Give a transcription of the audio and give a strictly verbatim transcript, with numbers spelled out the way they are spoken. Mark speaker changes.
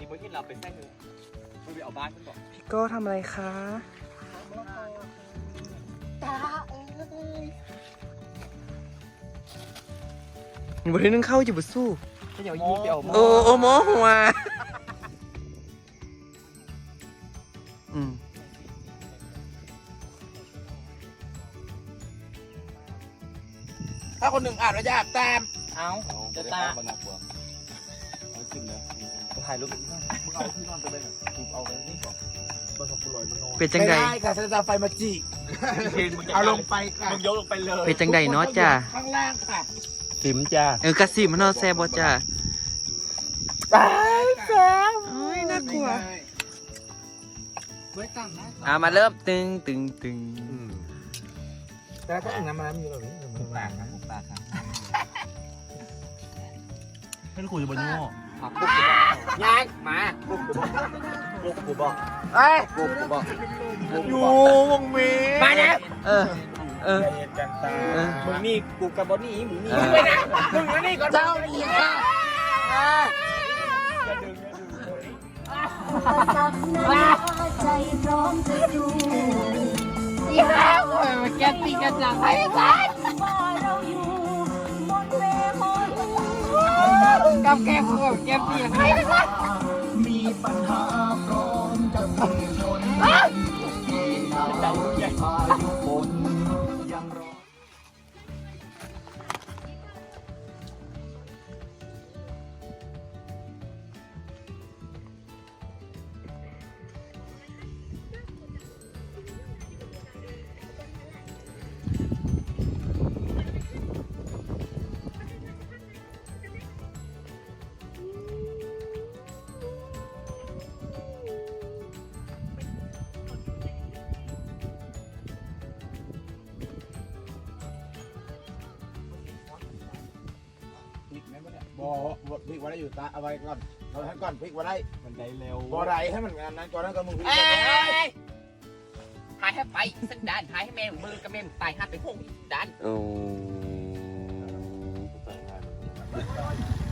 Speaker 1: นี้เมื่อที่เราไปแท้หนึ่งไม่ไปเอาบ้านขึ้นบอก
Speaker 2: พี่โก้ทำอะไรคะ
Speaker 1: ตาเอ้ย
Speaker 2: บทีนึงเข้าจะบุสู้
Speaker 1: ถ้าอย่างนี้ไปเอา
Speaker 2: โอ้โอ้โมหัวอืม
Speaker 3: ถ้าคนหนึ่งอ่านว่าอยากตาม
Speaker 1: เอาจะตา
Speaker 3: เอาขึ้นเลย
Speaker 1: ถ่ายรูป
Speaker 3: มึงเอาที่นอนไปเลยหน่อยกูเอาไปนี่ก่อนบนสกุลลอยมันนอน
Speaker 2: เป็นจังใด
Speaker 3: ไม่ได้ค่ะฉันจะเอาไฟมาจีเอาลงไปค่ะ
Speaker 1: มึงยกลงไปเลย
Speaker 2: เป็นจังใดเนาะจ้า
Speaker 3: ข้างล่างค่ะ
Speaker 1: สิมจ้า
Speaker 2: เออกระสิมันเนาะแซ่บบ่จ้า
Speaker 3: ตายแซ่บ
Speaker 2: โอ้ยน่ากลัว
Speaker 3: ไว้ตั้งนะ
Speaker 2: อ่ะมาเริ่มตึงตึงตึง
Speaker 3: แต่ถ้าอย่างนั้นมันมีแบบนี้มันแปลกนะ
Speaker 1: ปากครับไม่รู้คุยจะบนโง่
Speaker 3: ยายมา
Speaker 1: ลูกกูบอก
Speaker 3: เอ้ย
Speaker 1: ลูกกูบอก
Speaker 3: อยู่วงมีมาเนี่ย
Speaker 2: เออ เออ
Speaker 3: กันตา
Speaker 2: เออ
Speaker 1: มึงนี่กูกับบอนนี่มึงนี่
Speaker 2: เออ
Speaker 3: ไปนะมึงมานี่ก่อนเจ้านี่ค่ะ
Speaker 4: ใจพร้อมจะดู
Speaker 3: อีห้าวมาแกตีกันจังไอ้สัส
Speaker 4: ว่าเราอยู่บนเวหน
Speaker 3: กับแกกูกับแกตีกันไอ้สัส
Speaker 4: มีปัญหาพร้อมจะพุ่งชนที่เราจะพายุฝนยังรอ
Speaker 3: บอบพลิกไว้ได้อยู่ตาเอาไว้ก่อนเราให้ก่อนพลิกไว้ได้
Speaker 1: มันได้เร็ว
Speaker 3: บอไรให้มันงานนั้นก่อนแล้วก็มึงพลิก
Speaker 5: เอ้ยหายให้ไปสักด้านหายให้แม่มือกับแม่ตายหัดไปพงด้าน
Speaker 2: โอ้